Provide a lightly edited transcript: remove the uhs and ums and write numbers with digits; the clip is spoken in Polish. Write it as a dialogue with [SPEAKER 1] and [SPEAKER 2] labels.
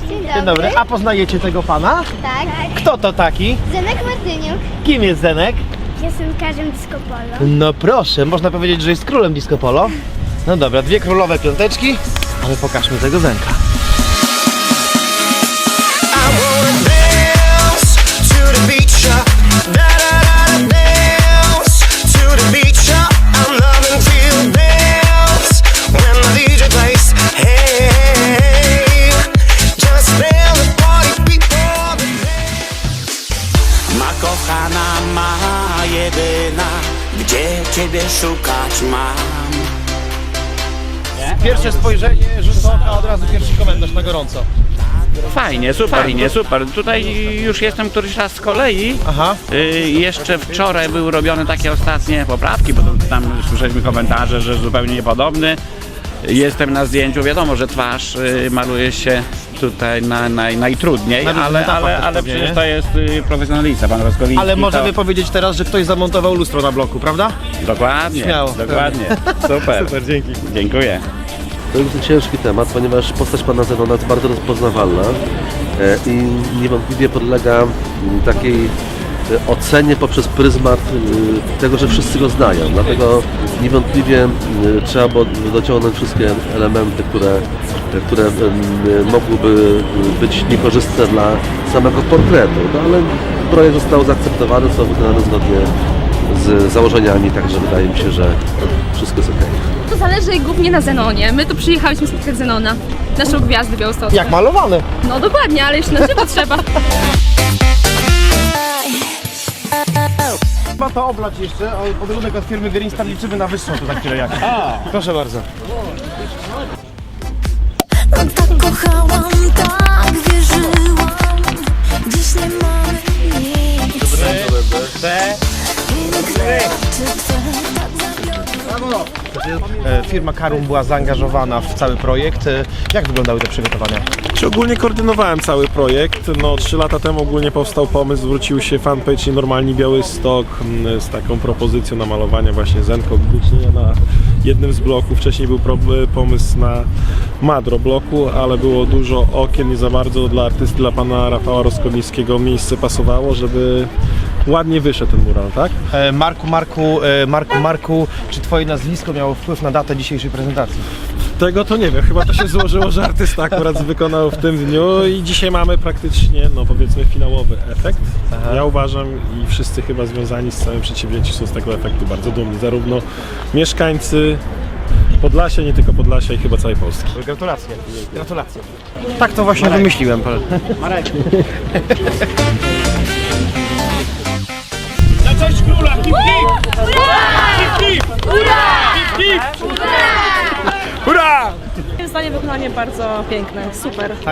[SPEAKER 1] Dzień dobry. A poznajecie tego pana?
[SPEAKER 2] Tak.
[SPEAKER 1] Kto to taki?
[SPEAKER 2] Zenek Martyniuk.
[SPEAKER 1] Kim jest Zenek?
[SPEAKER 2] Piosenkarzem disco polo.
[SPEAKER 1] No proszę, można powiedzieć, że jest królem disco polo. No dobra, dwie królowe piąteczki, ale pokażmy tego Zenka.
[SPEAKER 3] Kochana ma jedyna, gdzie ciebie szukać mam.
[SPEAKER 1] Pierwsze spojrzenie, rzut oka, od razu pierwszy komentarz na gorąco.
[SPEAKER 4] Fajnie, super. Tutaj już jestem któryś raz z kolei.
[SPEAKER 1] Aha.
[SPEAKER 4] Jeszcze wczoraj były robione takie ostatnie poprawki, bo tam słyszeliśmy komentarze, że zupełnie niepodobny. Jestem na zdjęciu, wiadomo, że twarz maluje się tutaj najtrudniej, ale przecież to jest profesjonalista, pan Roskowiński.
[SPEAKER 1] Ale możemy
[SPEAKER 4] to...
[SPEAKER 1] powiedzieć teraz, że ktoś zamontował lustro na bloku, prawda?
[SPEAKER 4] Dokładnie,
[SPEAKER 1] Śmiało.
[SPEAKER 4] dokładnie. Super.
[SPEAKER 1] Super, dzięki.
[SPEAKER 4] Dziękuję.
[SPEAKER 5] To jest ciężki temat, ponieważ postać pana Zenona jest bardzo rozpoznawalna i niewątpliwie podlega takiej ocenie poprzez pryzmat tego, że wszyscy go znają. Dlatego niewątpliwie trzeba było dociągnąć wszystkie elementy, które mogłyby być niekorzystne dla samego portretu. No, ale projekt został zaakceptowany, został wykonany zgodnie z założeniami, także wydaje mi się, że wszystko jest okej.
[SPEAKER 6] To zależy głównie na Zenonie. My tu przyjechałyśmy spotkać Zenona, naszą gwiazdę białostocką.
[SPEAKER 1] Jak malowany.
[SPEAKER 6] No dokładnie, ale jeszcze na żywo trzeba.
[SPEAKER 1] Chyba to oblać jeszcze, podarunek od firmy Green Star liczymy na wyższą tu za chwilę jak. Proszę bardzo.
[SPEAKER 7] Tak kochałam, tak wierzyłam. Dziś nie mamy nic.
[SPEAKER 1] Firma Karum była zaangażowana w cały projekt. Jak wyglądały te przygotowania?
[SPEAKER 8] Ogólnie koordynowałem cały projekt. 3 lata temu ogólnie powstał pomysł, zwrócił się fanpage Nienormalni Białystok z taką propozycją namalowania właśnie Zenka na jednym z bloków. Wcześniej był pomysł na Madro bloku, ale było dużo okien, nie za bardzo dla artysty, dla pana Rafała Roskowińskiego miejsce pasowało, żeby ładnie wyszedł ten mural, tak?
[SPEAKER 1] Marku, czy twoje nazwisko miało wpływ na datę dzisiejszej prezentacji?
[SPEAKER 8] Tego to nie wiem, chyba to się złożyło, że artysta akurat wykonał w tym dniu i dzisiaj mamy praktycznie, powiedzmy, finałowy efekt. Aha. Ja uważam i wszyscy chyba związani z całym przedsięwzięciem są z tego efektu bardzo dumni, zarówno mieszkańcy Podlasia, nie tylko Podlasia i chyba całej Polski.
[SPEAKER 1] Gratulacje. Gratulacje. Tak to właśnie wymyśliłem.
[SPEAKER 4] Marek.
[SPEAKER 9] Na cześć króla! Hip hip! Hip hip! Hip hip! Hurra!
[SPEAKER 6] Moim zdaniem wykonanie bardzo piękne, super.